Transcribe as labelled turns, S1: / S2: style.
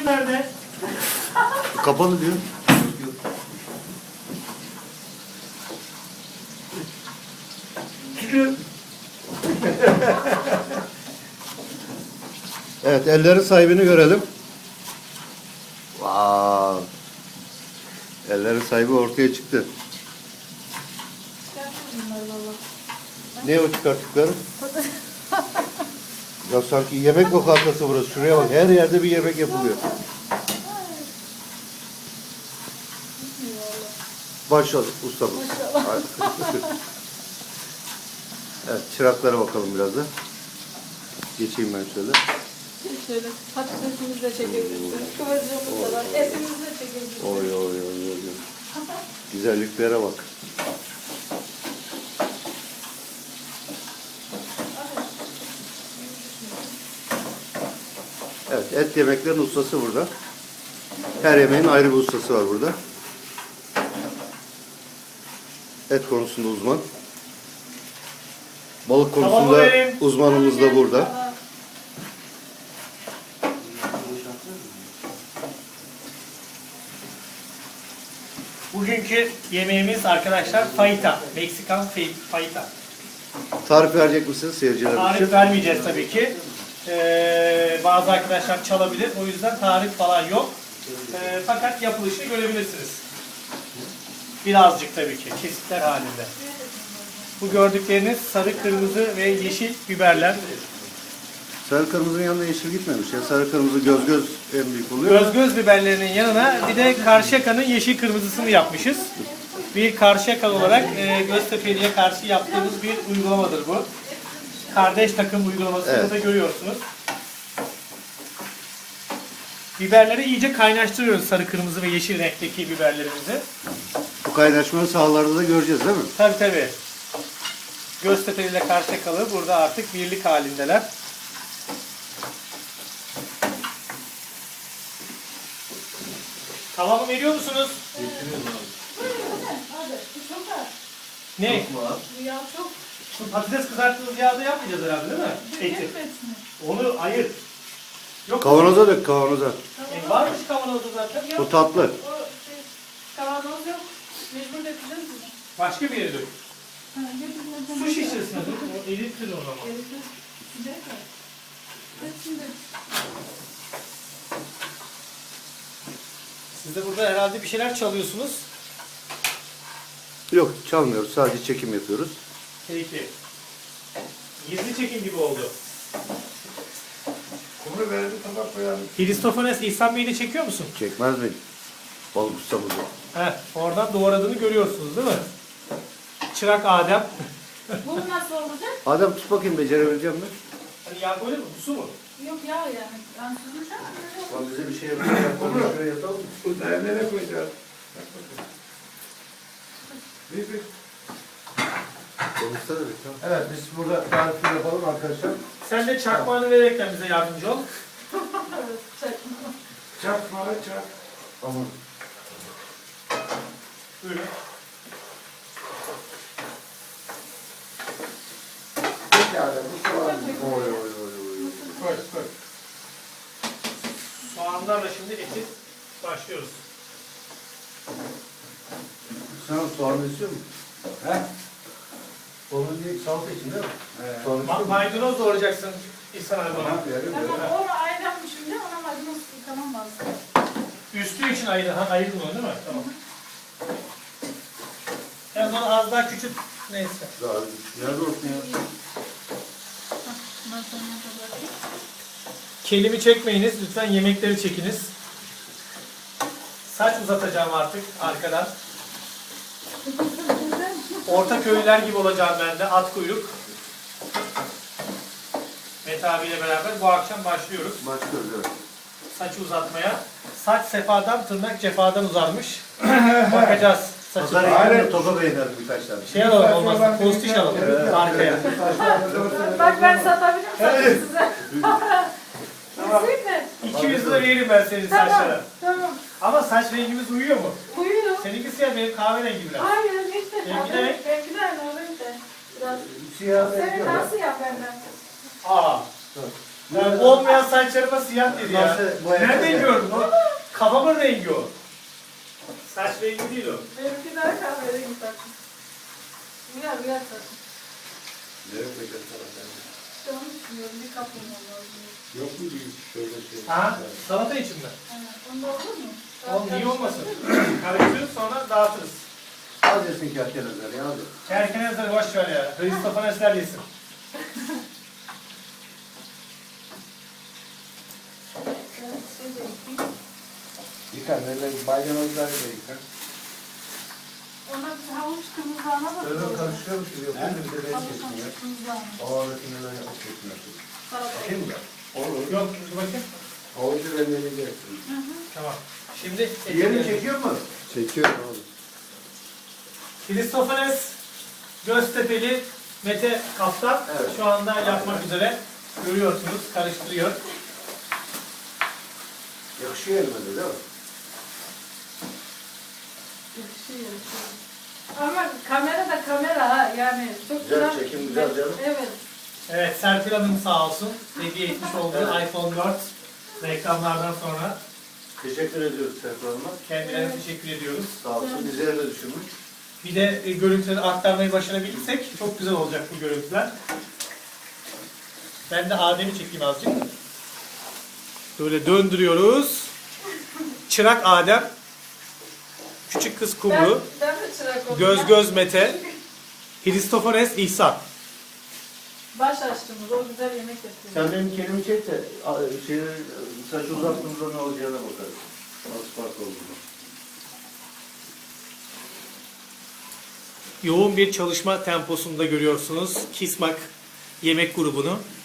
S1: nerede?
S2: Kapalı diyor. Evet, ellerin sahibini görelim. Wow. Ellerin sahibi ortaya çıktı. Ne o çıkarttıkları? Ya sanki yemek lokantası burası. Şuraya bak. Her yerde bir yemek yapılıyor. Maşallah ustamız. Evet, çıraklara bakalım biraz da. Geçeyim ben şöyle.
S3: Şöyle patatesimizi de çekebilirsiniz. Kıvırcığımız da var. Etimizi de çekebilirsiniz.
S2: Oy oy oy oy. Oy. Güzelliklere bak. Evet, et yemeklerin ustası burada. Her yemeğin ayrı bir ustası var burada. Et konusunda uzman. Balık konusunda uzmanımız da burada.
S1: Bugünkü yemeğimiz arkadaşlar fajita. Meksikan fajita.
S2: Tarif verecek misiniz seyircilerimiz
S1: Tarif
S2: için?
S1: vermeyeceğiz tabii ki. Bazı arkadaşlar çalabilir. O yüzden tarif falan yok. Fakat yapılışını görebilirsiniz. Birazcık tabii ki. Kesitler halinde. Bu gördükleriniz sarı, kırmızı ve yeşil biberler.
S2: Sarı kırmızının yanında yeşil gitmemiş ya. Sarı kırmızı göz göz en büyük oluyor.
S1: Göz biberlerinin yanına bir de Karşıyaka'nın yeşil kırmızısını yapmışız. Bir Karşıyaka olarak Göztepe'liye karşı yaptığımız bir uygulamadır bu. Kardeş takım uygulamasını
S2: Evet.
S1: da görüyorsunuz. Biberleri iyice kaynaştırıyoruz, sarı, kırmızı ve yeşil renkteki biberlerimizi.
S2: Bu kaynaşmanın sahalarda da göreceğiz değil mi?
S1: Tabii tabii. Göztepe ile Karşıyakalı burada artık birlik halindeler. Tavamı veriyor musunuz? Ne?
S3: Ya çok
S1: Şu patates kızarttığımız yağda yapmayacağız herhalde değil mi? Eti. Onu ayır. Yok.
S2: Kavanoza dök kavanoza.
S1: Varmış kavanozda zaten.
S2: Bu tatlı.
S3: o şey, kavanoz yok. Mecbur dökeceğiz mi?
S1: Başka bir yere dök.
S3: Ha, getirmeden.
S1: Su şişesine dök. O erittir o zaman.
S3: Sıcak var. Hepsini dök.
S1: Siz de burada herhalde bir şeyler çalıyorsunuz.
S2: Yok çalmıyoruz. Sadece çekim yapıyoruz.
S1: Peki. Gizli çekim gibi oldu.
S4: Kumru verdi tabak koyalım.
S1: Hristofanes İhsan Bey'i de çekiyor musun?
S2: Çekmez mi? Balık ustamızı.
S1: Heh, oradan doğradığını görüyorsunuz değil mi? Çırak Adem.
S3: Bu nasıl olacak?
S2: Adem tut bakayım becerebileceğim mi?
S1: Hani yağ böyle mi? Bu su mu?
S3: Yok ya yani. Ben süzüleceğim.
S2: Lan bize bir şey yapacak. Şuraya yatalım.
S4: Bu da nereye koyacağız? Bak bakalım. Bir.
S2: Konuşsana bir tamam. Evet biz burada tarifi yapalım arkadaşlar.
S1: Sen de çakmağını vererekten bize yardımcı ol.
S3: Evet, çekme.
S4: Çak bana çak.
S2: Aman.
S1: Buyurun.
S4: Pekala bu soğan.
S2: Oy oy oy oy.
S1: Koy koy. Soğanlarla şimdi eti başlıyoruz.
S2: Sen soğan istiyor musun?
S4: He?
S2: Onun değil salata için değil mi?
S4: He.
S2: Soğan istiyor musun?
S1: Maydanoz doğrayacaksın İhsan abi bana.
S4: Tamam verim
S3: Tamam,
S4: verim.
S3: o ayranmış şimdi ona maydanoz yıkamam lazım.
S1: Üstü için ayırdın onu değil mi? Tamam. Yani onu az daha küçült. Neyse.
S2: Daha nerede olsun ya?
S3: Bundan sonra da bırakayım.
S1: Kelimi çekmeyiniz. Lütfen yemekleri çekiniz. Saç uzatacağım artık arkadan. Orta köylüler gibi olacağım ben de. At kuyruk. Mete abiyle beraber bu akşam başlıyoruz.
S2: Başlıyoruz evet.
S1: Saçı uzatmaya. Saç sefadan, tırnak cefadan uzarmış. Bakacağız saçı.
S2: Pazar yerine topa beğenelim birkaç tane.
S1: Şey alalım olmazsa, postiş alalım arkaya.
S3: Bak ben satabilirim saçı size. Kesin mi?
S1: 200 lira veririm ben senin
S3: Tamam,
S1: saçlara.
S3: tamam.
S1: Ama saç rengimiz uyuyor mu?
S3: Uyuyor.
S1: Seninki siyah, benim kahverengi biraz.
S3: Hayır, işte.
S1: Benimki de renk.
S3: Benimki de aynı o renk de. Biraz.
S2: Siyah
S3: Senin
S2: benziyor ya.
S3: nasıl ya benden?
S1: Aa. Yani olmayan saçlarıma siyah dedi ya.
S2: Nasıl boyayacağız
S1: Nereden
S2: ya?
S1: gördün onu? Kafamın rengi o. Saç rengi değil o.
S3: Benimki daha kahverengi takım. Rüya takım.
S4: Nereye koyacağız sana?
S3: İşte onu düşünüyorum. Bir kap olmalı lazım.
S4: Yok mu bir şöyle şey?
S1: Ha? Salata için mi?
S3: Aynen. Onda olur mu?
S1: Oğlum niye olmasın? Karıştırırız sonra dağıtırız.
S2: Az yesin kerkenezler ya hadi.
S1: Kerkenezleri boş ver ya. Hristofanesler yesin.
S3: Ben şey de ekeyim.
S4: Yıkar, neler bayramızlar da yıkar.
S3: Ona bir havuç kırmızılarına da
S2: Öyle
S3: koyalım.
S2: karıştırıyormuş gibi yapıyor. Bir de ben
S3: Havuç
S2: kesin ya.
S3: kırmızılarına.
S2: Ağırlıklı neler yapıp kesmiyorsun.
S3: Salata.
S2: Bakayım mı?
S4: Olur.
S1: Yok dur bakayım.
S4: Havucu rendeleyeceksin.
S1: Tamam. Şimdi
S2: Yerini çekiyor mu? Çekiyor abi.
S1: Hristofanes Göztepe'li Mete Kaptan
S2: Evet.
S1: şu anda yapmak üzere. Görüyorsunuz, karıştırıyor.
S2: Yakışıyor elime de değil mi?
S3: Yakışıyor, yakışıyor. Ama kamera da kamera ha yani çok
S2: Güzel, çekim güzel canım.
S3: Evet.
S1: Evet, Serpil Hanım sağ olsun. Hediye etmiş olduğu iPhone 4 reklamlardan sonra
S2: Teşekkür ediyoruz Serkan Hanım'a.
S1: kendilerine teşekkür ediyoruz.
S2: Sağ olsun. Bizleri de düşünmüş.
S1: Bir de görüntüleri aktarmayı başarabilirsek çok güzel olacak bu görüntüler. Ben de Adem'i çekeyim azıcık. Böyle döndürüyoruz. Çırak Adem. Küçük kız Kumru.
S3: Ben de çırak oldum.
S1: Göz göz Mete. Hristofanes İhsan.
S3: Baş açtığımız o güzel yemek yapıyor.
S2: Sen benim kelimi çek de saç uzattığımızda ne olacağına bakarız. Nasıl fark olduğunu.
S1: Yoğun bir çalışma temposunda görüyorsunuz Kismak yemek grubunu.